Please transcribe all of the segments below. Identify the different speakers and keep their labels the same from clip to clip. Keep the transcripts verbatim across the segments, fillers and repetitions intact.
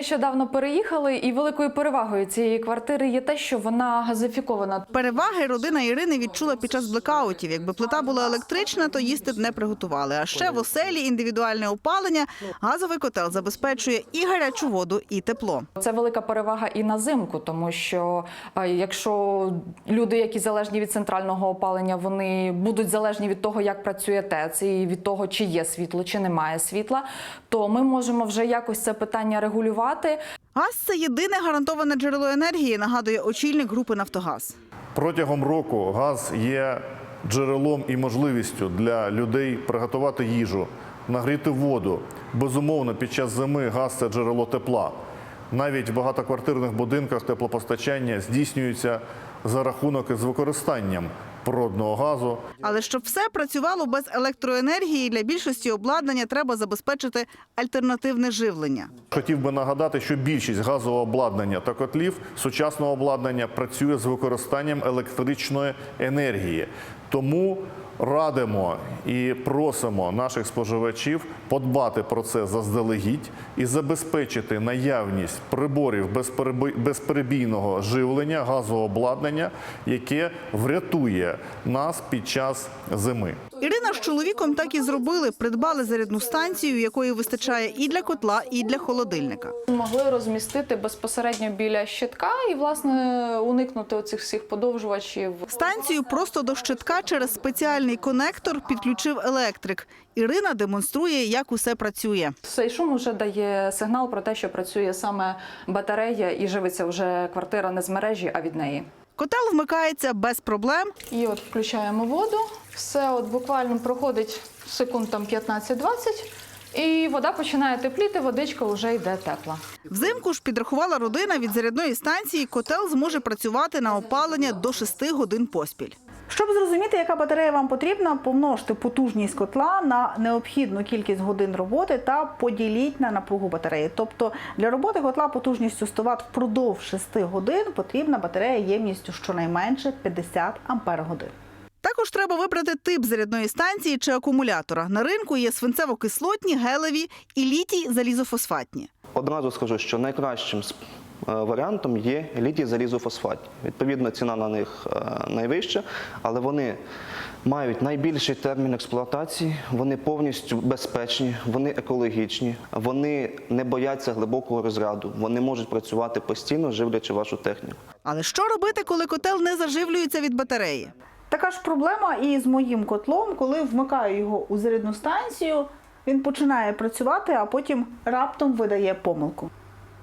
Speaker 1: нещодавно переїхали, і великою перевагою цієї квартири є те, що вона газифікована.
Speaker 2: Переваги родина Ірини відчула під час блекаутів. Якби плита була електрична, то їсти б не приготували. А ще в оселі індивідуальне опалення, газовий котел забезпечує і гарячу воду, і тепло.
Speaker 1: Це велика перевага і на зимку, тому що е, якщо люди, які залежні від центрального опалення, вони будуть залежні від того, як працює ТЕЦ, і від того, чи є світло, чи немає світла, то ми можемо вже якось це питання регулювати.
Speaker 2: Газ – це єдине гарантоване джерело енергії, нагадує очільник групи «Нафтогаз».
Speaker 3: Протягом року газ є джерелом і можливістю для людей приготувати їжу, нагріти воду. Безумовно, під час зими газ – це джерело тепла. Навіть в багатоквартирних будинках теплопостачання здійснюється за рахунок із використанням природного газу.
Speaker 2: Але щоб все працювало без електроенергії, для більшості обладнання треба забезпечити альтернативне живлення.
Speaker 3: Хотів би нагадати, що більшість газового обладнання та котлів сучасного обладнання працює з використанням електричної енергії. Тому радимо і просимо наших споживачів подбати про це заздалегідь і забезпечити наявність приборів безперебійного живлення, газового обладнання, яке врятує нас під час зими.
Speaker 2: Ірина з чоловіком так і зробили. Придбали зарядну станцію, якої вистачає і для котла, і для холодильника.
Speaker 1: Могли розмістити безпосередньо біля щитка і, власне, уникнути оцих всіх подовжувачів.
Speaker 2: Станцію просто до щитка через спеціальний конектор підключив електрик. Ірина демонструє, як усе працює.
Speaker 1: Цей шум вже дає сигнал про те, що працює саме батарея і живиться вже квартира не з мережі, а від неї.
Speaker 2: Котел вмикається без проблем.
Speaker 1: І от включаємо воду, все от буквально проходить секунд там п'ятнадцять-двадцять, і вода починає тепліти, водичка вже йде тепла.
Speaker 2: Взимку ж, підрахувала родина, від зарядної станції котел зможе працювати на опалення до шести годин поспіль. Щоб зрозуміти, яка батарея вам потрібна, помножте потужність котла на необхідну кількість годин роботи та поділіть на напругу батареї. Тобто для роботи котла потужністю сто ват впродовж шести годин потрібна батарея ємністю щонайменше п'ятдесят ампер годин. Також треба вибрати тип зарядної станції чи акумулятора. На ринку є свинцево-кислотні, гелеві і літій-залізофосфатні.
Speaker 4: Одразу скажу, що найкращим варіантом є літій-залізофосфат. Відповідно, ціна на них найвища, але вони мають найбільший термін експлуатації, вони повністю безпечні, вони екологічні, вони не бояться глибокого розряду, вони можуть працювати постійно, живлячи вашу техніку.
Speaker 2: Але що робити, коли котел не заживлюється від батареї? Така ж проблема і з моїм котлом, коли вмикаю його у зарядну станцію, він починає працювати, а потім раптом видає помилку.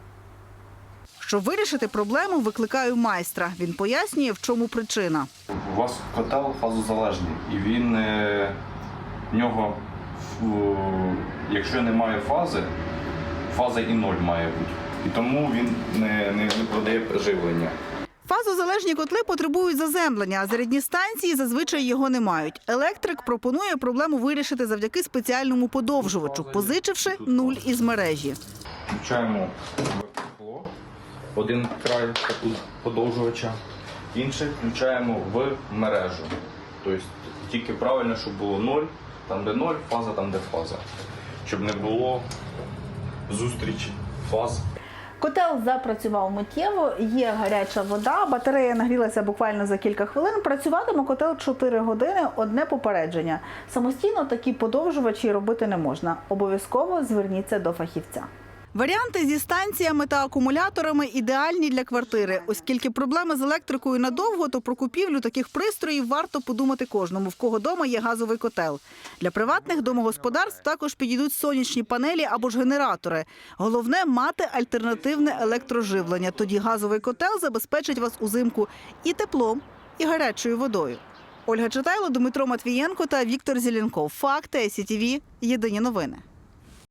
Speaker 2: Щоб вирішити проблему, викликаю майстра. Він пояснює, в чому причина.
Speaker 5: У вас котел фазозалежний, і він, в нього, якщо немає фази, фаза і ноль має бути. І тому він не, не, не продає живлення.
Speaker 2: Фазозалежні котли потребують заземлення, а зарядні станції зазвичай його не мають. Електрик пропонує проблему вирішити завдяки спеціальному подовжувачу, позичивши нуль із мережі.
Speaker 5: Включаємо один край подовжувача, інший включаємо в мережу. Тобто тільки правильно, щоб було ноль, там де ноль, фаза там де фаза. Щоб не було зустрічі фаз.
Speaker 2: Котел запрацював миттєво, є гаряча вода, батарея нагрілася буквально за кілька хвилин. Працюватиме котел чотири години, одне попередження. Самостійно такі подовжувачі робити не можна. Обов'язково зверніться до фахівця. Варіанти зі станціями та акумуляторами ідеальні для квартири. Оскільки проблеми з електрикою надовго, то про купівлю таких пристроїв варто подумати кожному, в кого дома є газовий котел. Для приватних домогосподарств також підійдуть сонячні панелі або ж генератори. Головне – мати альтернативне електроживлення. Тоді газовий котел забезпечить вас узимку і теплом, і гарячою водою. Ольга Читайло, Дмитро Матвієнко та Віктор Зеленков. Факти, ай сі ті ві. Єдині новини.